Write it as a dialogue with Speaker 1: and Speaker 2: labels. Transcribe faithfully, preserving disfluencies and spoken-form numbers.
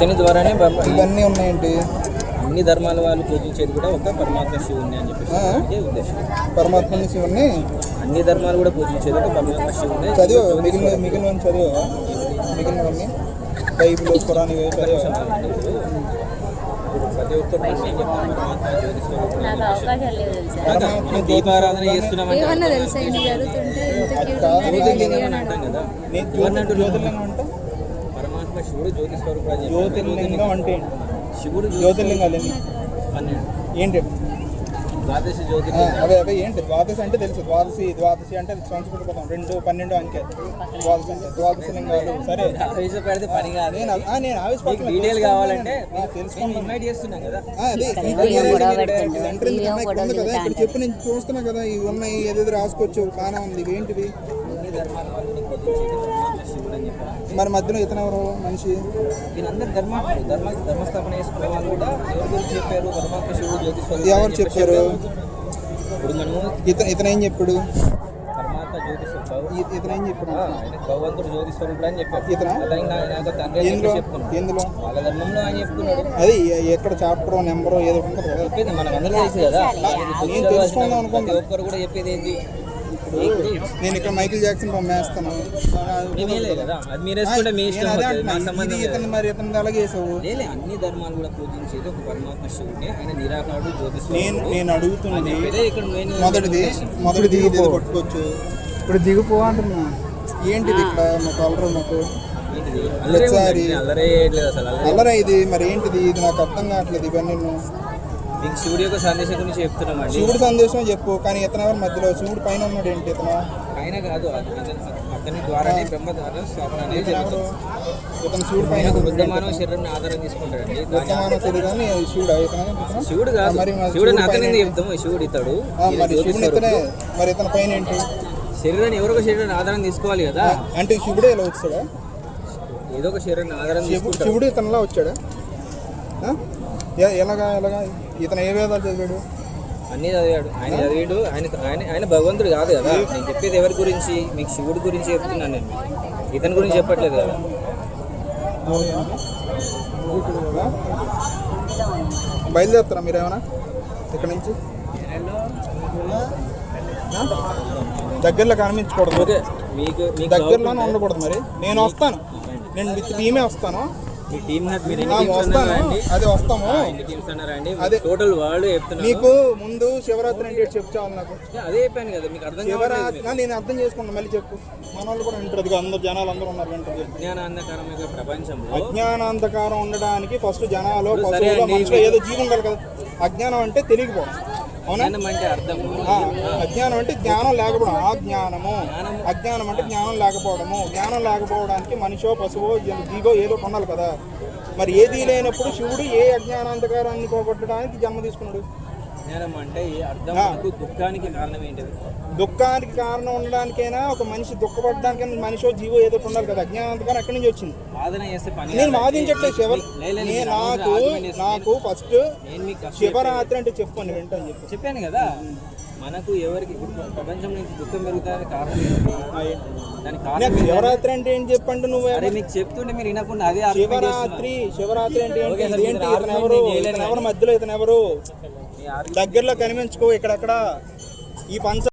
Speaker 1: ఇతని ద్వారానే
Speaker 2: ఇవన్నీ ఉన్నాయండి.
Speaker 1: అన్ని ధర్మాల వాళ్ళు పూజించేది కూడా ఒక పరమాత్మ శివుని అని చెప్పేసి అదే ఉద్దేశం.
Speaker 2: పరమాత్మని శివుని
Speaker 1: అన్ని ధర్మాలు కూడా పూజించేది ఒక పరమాత్మ శివుని.
Speaker 2: చదివా మిగిలిన మిగిలిన చదివా మిగిలినవన్నీ బైబిల్ ఖురాన్ ఇవి చదివా?
Speaker 1: ప్రతి ఒక్కరు దీపారాధన చేస్తున్నామంటే పరమాత్మ శివుడు జ్యోతి స్వరూపుడు.
Speaker 2: జ్యోతిర్లింగం అంటే
Speaker 1: శివుడు
Speaker 2: జ్యోతిర్లింగాలు
Speaker 1: పన్నెండు
Speaker 2: ఏంటి?
Speaker 1: ద్వాదశ జ్యోతిర్లింగం.
Speaker 2: అదే అదే ఏంటి ద్వాదశి అంటే తెలుసు. ద్వాదశి ద్వాదశి అంటే సంస్కృత పదం. రెండు పన్నెండు అంకె ద్వాదశి అంటే ద్వాదశ లింగాలు. సరే
Speaker 1: ఆవేశపడితే పని కాదు.
Speaker 2: నేను ఆవేశపడుతున్నా.
Speaker 1: డీటెయిల్ కావాలంటే
Speaker 2: తెలుసుకుంటాను.
Speaker 1: ఇన్వైట్ చేస్తున్నాం కదా.
Speaker 2: అదే కదా ఇక్కడ చెప్పి నేను చూస్తున్నా కదా. ఇవి ఉన్నాయి ఏదేదో రాసుకోవచ్చు. బాగానే ఉంది. ఇవి ఏంటివి? మరి మధ్యలో ఇతను ఎవరు మనిషి?
Speaker 1: వీళ్ళందరూ ధర్మ ధర్మ ధర్మస్థాపన చేసుకోవాలి కూడా. ఎవరి గురించి చెప్పారు? పరమాత్మ శివుడు జ్యోతి స్వరూపుడు.
Speaker 2: ఎవరు చెప్పారు?
Speaker 1: ఇప్పుడు మనము
Speaker 2: ఇతను ఇతను ఏం చెప్పాడు?
Speaker 1: పరమాత్మ జ్యోతి స్వరూపుడు.
Speaker 2: ఇతను ఏం చెప్పాడు?
Speaker 1: భగవంతుడు జ్యోతి స్వరూపుడు అని చెప్పాడు.
Speaker 2: ఇతను ఎందులో ఎందులో
Speaker 1: వాళ్ళ ధర్మంలో ఆయన చెప్తున్నాడు.
Speaker 2: అది ఎక్కడ చాప్టర్ నెంబరు ఏదో ఉంటుంది కదా.
Speaker 1: చెప్పేది మనం అందరూ తెలుసు కదా.
Speaker 2: నేను తెలుసుకుందాం అనుకుంటా.
Speaker 1: ఒక్కరు కూడా చెప్పేది ఏంటి?
Speaker 2: నేను ఇక్కడ మైకిల్ జాక్సన్ బొమ్మేస్తాను. మరి ఇతను అలాగే వేసావు.
Speaker 1: అన్ని ధర్మాలు కూడా పూజించేది ఒక పరమాత్మ శివుడే. ఆయన నిరాకారుడు జ్యోతి.
Speaker 2: నేను నేను అడుగుతున్నది మొదటిది మొదటిది పట్టుకోవచ్చు. ఇప్పుడు దిగిపో అంటున్నా. ఏంటిది ఇక్కడ మా కలర్ మాకు అల్లరా ఇది? మరి ఏంటిది ఇది? నాకు అర్థం కావట్లేదు ఇవన్నీ.
Speaker 1: మీకు శివుడి యొక్క సందేశం గురించి చెప్తున్నామండి.
Speaker 2: శివుడి సందేశం చెప్పు. కానీ ఇతను ఎవరు మధ్యలో? శివుడు పైన ఉన్నాడు ఏంటి? ఇతను
Speaker 1: పైన కాదు, అతని ద్వారానే బ్రహ్మ ద్వారా స్థాపన అనేది జరుగుతుంది.
Speaker 2: ఇతను శివుడు పైన
Speaker 1: బుద్ధమానవ శరీరాన్ని ఆధారం తీసుకుంటాడండి.
Speaker 2: బుద్ధమానవ శరీరాన్ని శివుడు ఇతను
Speaker 1: శివుడు కాదు. మరి శివుడు అతని చెప్తాము. శివుడు ఇతడు
Speaker 2: మరి శివుడు ఇతనే. మరి ఇతని పైన ఏంటి?
Speaker 1: శరీరాన్ని ఎవరో ఒక శరీరాన్ని ఆధారం తీసుకోవాలి కదా.
Speaker 2: అంటే శివుడే ఇలా వచ్చాడా?
Speaker 1: ఏదో ఒక శరీరాన్ని ఆధారం తీసుకుంటాడు.
Speaker 2: శివుడు ఇతనిలా వచ్చాడా? ఎలాగా ఎలాగా? ఇతను ఏ వేదాలు చదివాడు?
Speaker 1: అన్నీ చదివాడు. ఆయన చదివాడు. ఆయన ఆయన ఆయన భగవంతుడు కాదు కదా. నేను చెప్పేది ఎవరి గురించి? మీకు శివుడి గురించి చెప్తున్నాను నేను. ఇతని గురించి చెప్పట్లేదు కదా.
Speaker 2: బయలుదేరుతారా మీరు ఏమైనా ఇక్కడ నుంచి? దగ్గరలో కనిపించకూడదు.
Speaker 1: ఓకే, మీకు
Speaker 2: దగ్గరలోనే ఉండకూడదు. మరి నేను వస్తాను. నేను విత్ టీమే వస్తాను. అదే వస్తాము.
Speaker 1: అదే టోటల్ వరల్డ్ చెప్తున్నా.
Speaker 2: నీకు ముందు శివరాత్రి అంటే చెప్పు చాలు. నాకు
Speaker 1: అదే చెప్పాను కదా. మీకు అర్థం
Speaker 2: శివరాత్రి నేను అర్థం చేసుకుంటా. మళ్ళీ చెప్పు. మన వాళ్ళు కూడా వింటారు. అందరు జనాలు అందరూ ఉన్నారు వింటారు.
Speaker 1: అజ్ఞానాంధకారమైన ప్రపంచంలో
Speaker 2: అజ్ఞానాంధకారం ఉండడానికి ఫస్ట్ జనాలు పశువులు మనుషులు ఏదో జీవి ఉండాలి కదా. అజ్ఞానం అంటే తెలియకపోవడం. అవునా?
Speaker 1: అంటే అర్థం
Speaker 2: అజ్ఞానం అంటే జ్ఞానం లేకపోవడం. ఆ జ్ఞానము అజ్ఞానం అంటే జ్ఞానం లేకపోవడము. జ్ఞానం లేకపోవడానికి మనిషో పశువో జీవో ఏదో ఉండాలి కదా. మరి ఏది లేనప్పుడు శివుడు ఏ అజ్ఞానాంధకారాన్ని పోగొట్టడానికి జన్మ తీసుకున్నాడు?
Speaker 1: జ్ఞానం అంటే అర్థం. దుఃఖానికి కారణం ఏంటిది?
Speaker 2: దుఃఖానికి కారణం ఉండడానికైనా ఒక మనిషి దుఃఖపడడానికైనా మనిషో జీవో ఏదో ఉండాలి కదా. అజ్ఞానాంధకారం ఎక్కడి నుంచి వచ్చింది? నేను వాదించట్లేదు. శివ నాకు నాకు ఫస్ట్ శివరాత్రి అంటే చెప్పండి వింటాను చెప్పి
Speaker 1: చెప్పాను కదా. మనకు ఎవరికి ప్రపంచం నుంచి దుఃఖం పెరుగుతానికి కారణం ఏంటి? దానికి కారణం
Speaker 2: శివరాత్రి అంటే ఏంటి చెప్పండి. నువ్వు
Speaker 1: మీకు చెప్తుంటే మీరు వినకుండా అదే
Speaker 2: శివరాత్రి శివరాత్రి అంటే ఏంటి? ఇతను ఎవరు? ఇతను ఎవరు మధ్యలో? ఇతను ఎవరు? దగ్గరలో కనిపించుకో. ఇక్కడక్కడ ఈ పంచ